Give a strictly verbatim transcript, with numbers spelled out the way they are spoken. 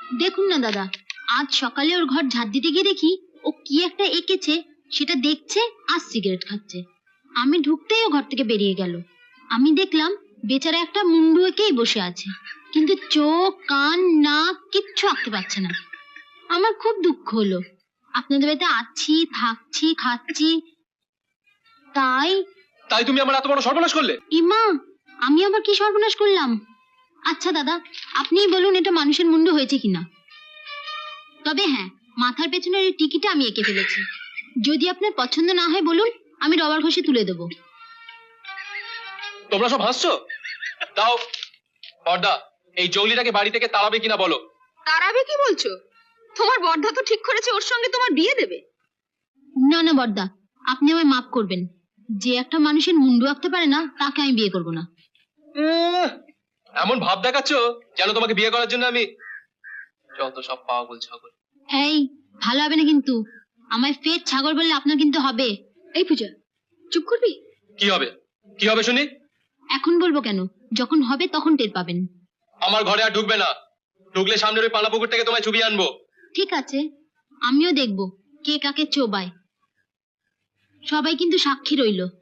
দেখুন না দাদা, আজ সকালে ওর ঘর ঝাড় দিতে গিয়ে দেখি ও কি একটা এঁকেছে, সেটা দেখছে আর সিগারেট খাচ্ছে। আমি ঢুকতেই ও ঘর থেকে বেরিয়ে গেল। আমি দেখলাম বেচারা একটা মুন্ডু এঁকেই বসে আছে, কিন্তু চোখ কান নাক কিচ্ছু আঁকতে পারছে না। আমার খুব দুঃখ হলো। আপনাদের বাড়িতে আছি, থাকছি, খাচ্ছি, তাই তাই তুমি আমার এত বড় সর্বনাশ করলে? ইমা, আমি আবার কি সর্বনাশ করলাম? আচ্ছা দাদা, আপনিই বলুন এটা মানুষের মুন্ডু হয়েছে কিনা। তবে হ্যাঁ, মাথার পেছনের এই টিকিটা আমি এঁকে ফেলেছি। যদি আপনার পছন্দ না হয় বলুন, আমি রবার ঘষে তুলে দেবো। তোমরা সব হাসছো? দাও বর্দা, এই জঙ্গলিটাকে বাড়ি থেকে তাড়াবে কিনা বলো। তাড়াবে কি বলছো? তোমার বর্ধা তো ঠিক করেছে ওর সঙ্গে তোমার বিয়ে দেবে। না না বর্দা, আপনি আমায় মাফ করবেন। যে একটা মানুষের মুন্ডু আঁকতে পারে না তাকে আমি বিয়ে করবো না। এমন ভাব দেখাচ্ছ যেন তোমাকে বিয়ে করার জন্য আমি যত সব পাগল ছাগল। এই ভালো হবে না কিন্তু, আমায় ফের ছাগল বললে আপনার কিন্তু হবে। এই পূজা, চুপ করবি? কি হবে? কি হবে শুনি? এখন বলবো কেন, যখন হবে তখন টের পাবেন। আমার ঘরে আর ঢুকবে না। ঢুকলে সামনের ওই পালা পুকুর থেকে তোমায় চুবিয়ে আনবো। ঠিক আছে, আমিও দেখবো কে কাকে চোবায়। সবাই কিন্তু সাক্ষী রইলো।